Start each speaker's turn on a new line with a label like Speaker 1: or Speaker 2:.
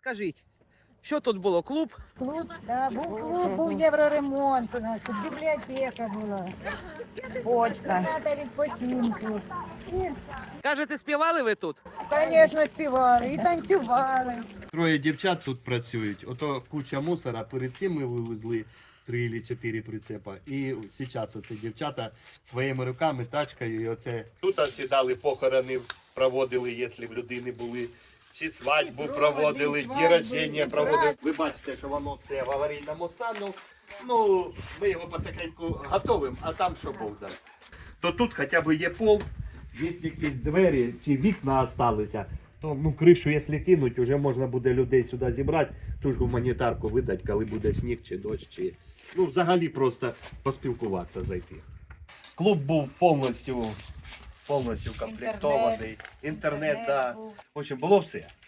Speaker 1: Скажіть, що тут було? Клуб?
Speaker 2: Клуб, да, був клуб, був євроремонт у нас, тут бібліотека була, почта, кімната відпочинку. І,
Speaker 1: Кажете, співали ви тут?
Speaker 2: звісно, співали і танцювали.
Speaker 3: Троє дівчат тут працюють. Ото куча мусора. Перед цим ми вивезли 3 чи 4 прицепа. І зараз оце дівчата своїми руками, тачкою. І оце тут сідали, похорони проводили, якщо в людини були. Чи свадьбу проводили, дні рождення проводили. Ви бачите, що воно все в аварійному стану. Ну, ми його потихеньку готовимо, а там що Бог дасть. То тут хоча б є пол, є якісь двері чи вікна залишилися. То ну, кришу, якщо кинуть, вже можна буде людей сюди зібрати, ту ж гуманітарку видати, коли буде сніг чи дощ, чи ну, взагалі просто поспілкуватися, зайти. Клуб був повністю комплектований. Інтернет, да. В общем, було все.